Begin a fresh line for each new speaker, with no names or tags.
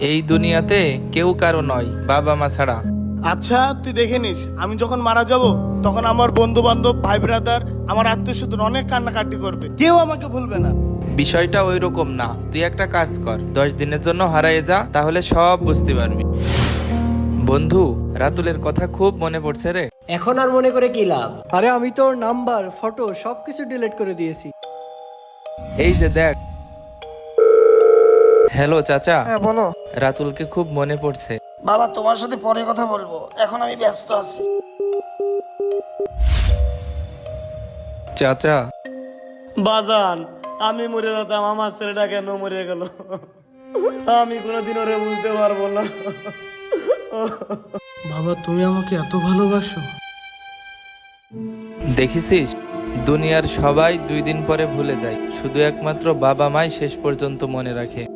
এই দুনিয়াতে কেউ কারো নয় বাবা মা ছাড়া।
আচ্ছা তুই দেখে নিস, আমি যখন মারা যাব তখন আমার বন্ধু বান্ধব, ভাই ব্রাদার, আমার আত্মীয় স্বজন অনেক কান্নাকাটি করবে, কেউ আমাকে ভুলবে না।
বিষয়টা ওই রকম না, তুই একটা কাজ কর, 10 দিনের জন্য হারিয়ে যা, তাহলে সব বুঝতে পারবি। বন্ধু, রাতুলের কথা খুব মনে পড়ছে রে।
এখন আর মনে করে কি লাভ?
আরে আমি তোর নাম্বার, ফটো সবকিছু ডিলিট করে দিয়েছি।
এই যে দেখ। হ্যালো চাচা।
হ্যাঁ বলো
রাতুলকে খুব মনে পড়ছে।
বাবা, তোমার সাথে পরে কথা বলবো, এখন আমি ব্যস্ত আছি।
চাচা,
বাজান, আমি মরে যেতাম, আমার ছেলেটা কেন মরে গেল? আমি কোনোদিন ওরে বুঝতে পারবো না। বাবা, তুমি আমাকে এত ভালোবাসো?
দেখেছিস, দুনিয়ার সবাই 2 দিন পরে ভুলে যায়, শুধু একমাত্র বাবা মাই শেষ পর্যন্ত মনে রাখে।